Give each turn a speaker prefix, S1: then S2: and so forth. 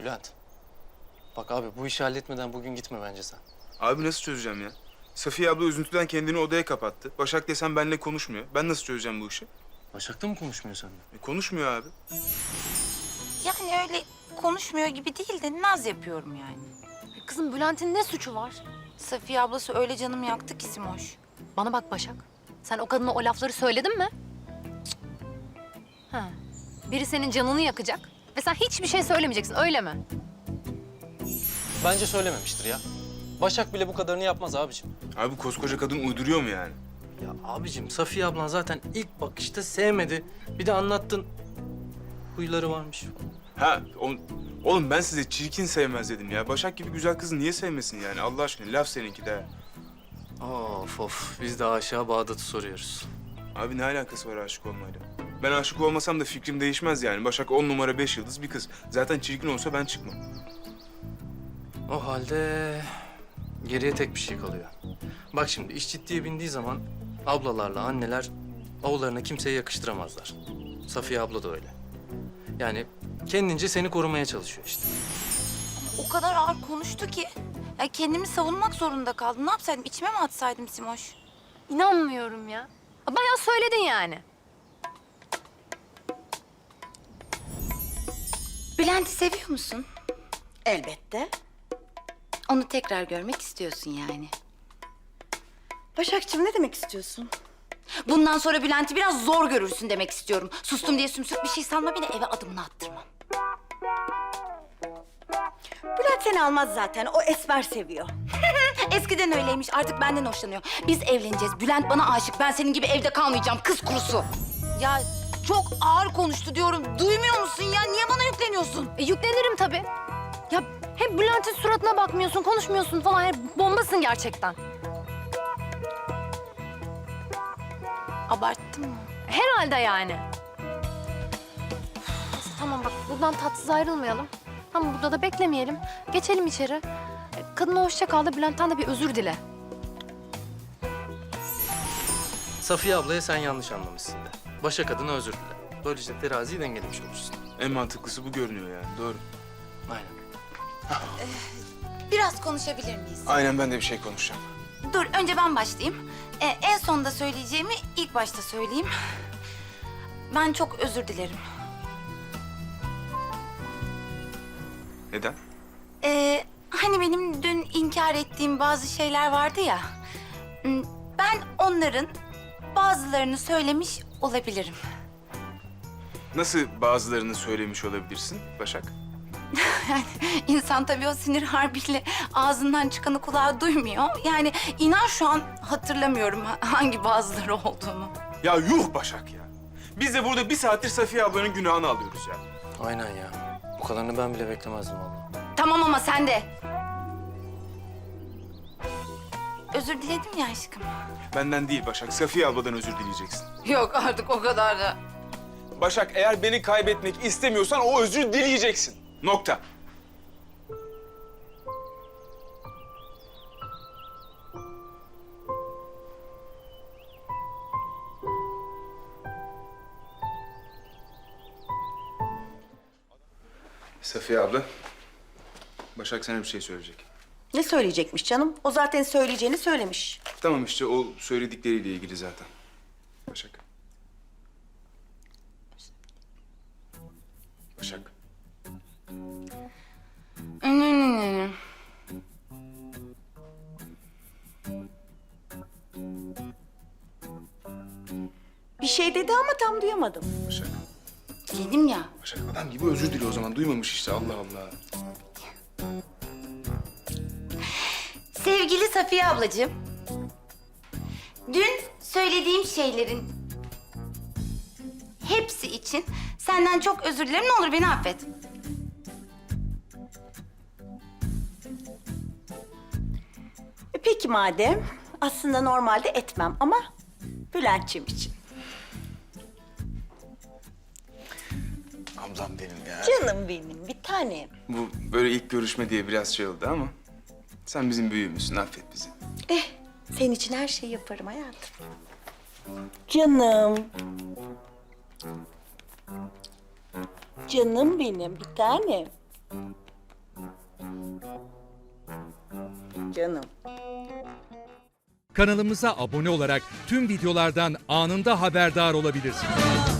S1: Bülent. Bak abi bu işi halletmeden bugün gitme bence sen.
S2: Abi nasıl çözeceğim ya? Safiye abla üzüntüden kendini odaya kapattı. Başak desem benimle konuşmuyor. Ben nasıl çözeceğim bu işi?
S1: Başak'ta mı konuşmuyor seninle?
S2: Konuşmuyor abi.
S3: Yani öyle konuşmuyor gibi değil de naz yapıyorum yani.
S4: Kızım Bülent'in ne suçu var?
S3: Safiye ablası öyle canımı yaktı ki Simoş.
S4: Bana bak Başak. Sen o kadına o lafları söyledin mi? Cık. Ha. Biri senin canını yakacak ve sen hiçbir şey söylemeyeceksin, öyle mi?
S1: Bence söylememiştir ya. Başak bile bu kadarını yapmaz abicim.
S2: Abi koskoca kadın uyduruyor mu yani?
S1: Ya abicim Safiye ablan zaten ilk bakışta sevmedi. Bir de anlattın. Huyları varmış.
S2: Oğlum ben size çirkin sevmez dedim ya. Başak gibi güzel kızı niye sevmesin yani? Allah aşkına laf seninki de.
S1: Of of biz de aşağı Bağdat'ı soruyoruz.
S2: Abi ne alakası var aşık olmayla? Ben aşık olmasam da fikrim değişmez yani. Başak 10 numara 5 yıldız bir kız. Zaten çirkin olsa ben çıkmam.
S1: O halde geriye tek bir şey kalıyor. Bak şimdi iş ciddiye bindiği zaman ablalarla anneler oğullarına kimseye yakıştıramazlar. Safiye abla da öyle. Yani kendince seni korumaya çalışıyor işte.
S3: O kadar ağır konuştu ki. Ya kendimi savunmak zorunda kaldım. Ne yapsaydım? İçime mi atsaydım Simoş?
S4: İnanmıyorum ya. Bayağı söyledin yani.
S3: Bülent'i seviyor musun?
S5: Elbette.
S3: Onu tekrar görmek istiyorsun yani.
S5: Başakçığım ne demek istiyorsun?
S3: Bundan sonra Bülent'i biraz zor görürsün demek istiyorum. Sustum diye sümsük bir şey sanma, beni eve adımını attırmam.
S5: Bülent seni almaz zaten. O esmer seviyor.
S3: Eskiden öyleymiş, artık benden hoşlanıyor. Biz evleneceğiz, Bülent bana aşık. Ben senin gibi evde kalmayacağım, kız kurusu. Ya çok ağır konuştu diyorum. Duymuyor musun ya? Niye bana yükleniyorsun?
S4: Yüklenirim tabii. Ya hep Bülent'in suratına bakmıyorsun, konuşmuyorsun falan. Hep bombasın gerçekten.
S3: Abarttın mı?
S4: Herhalde yani. Neyse, tamam bak buradan tatsız ayrılmayalım. Tamam burada da beklemeyelim. Geçelim içeri. Kadına hoşça kal da Bülent'ten de bir özür dile.
S1: Safiye ablaya sen yanlış anlamışsın de. Başak adına özür dile. Böylece teraziyi dengelemiş olursun.
S2: En mantıklısı bu görünüyor yani. Doğru.
S1: Aynen.
S3: Biraz konuşabilir miyiz?
S2: Aynen ben de bir şey konuşacağım.
S3: Dur, önce ben başlayayım. En sonda söyleyeceğimi ilk başta söyleyeyim. Ben çok özür dilerim.
S2: Neden?
S3: Hani benim dün inkar ettiğim bazı şeyler vardı ya. Ben onların bazılarını söylemiş olabilirim.
S2: Nasıl bazılarını söylemiş olabilirsin Başak?
S3: Yani insan tabii o sinir harbiyle ağzından çıkanı kulağı duymuyor. Yani inan şu an hatırlamıyorum hangi bazıları olduğunu.
S2: Ya yuh Başak ya. Biz de burada bir saattir Safiye ablanın günahını alıyoruz ya.
S1: Aynen ya. Bu kadarını ben bile beklemezdim vallahi.
S3: Tamam ama sen de. Özür diledim ya aşkım.
S2: Benden değil Başak, Safiye abladan özür dileyeceksin.
S3: Yok artık o kadar da.
S2: Başak eğer beni kaybetmek istemiyorsan o özür dileyeceksin. Nokta. Safiye abla, Başak sana bir şey söyleyecek.
S5: Ne söyleyecekmiş canım? O zaten söyleyeceğini söylemiş.
S2: Tamam işte o söyledikleriyle ilgili zaten. Başak. Başak.
S5: Bir şey dedi ama tam duyamadım.
S2: Başak.
S3: Dedim ya.
S2: Başak adam gibi özür diliyor o zaman. Duymamış işte Allah Allah.
S3: Sevgili Safiye ablacığım. Dün söylediğim şeylerin hepsi için senden çok özür dilerim. Ne olur beni affet.
S5: Peki madem. Aslında normalde etmem ama Bülent'ciğim için.
S2: Ablam benim ya.
S5: Canım benim, bir tanem.
S2: Bu böyle ilk görüşme diye biraz şey oldu ama sen bizim büyüğümüzsün, affet bizi.
S5: Senin için her şeyi yaparım hayatım. Canım. Canım benim, bir tanem. Canım.
S6: Kanalımıza abone olarak tüm videolardan anında haberdar olabilirsiniz.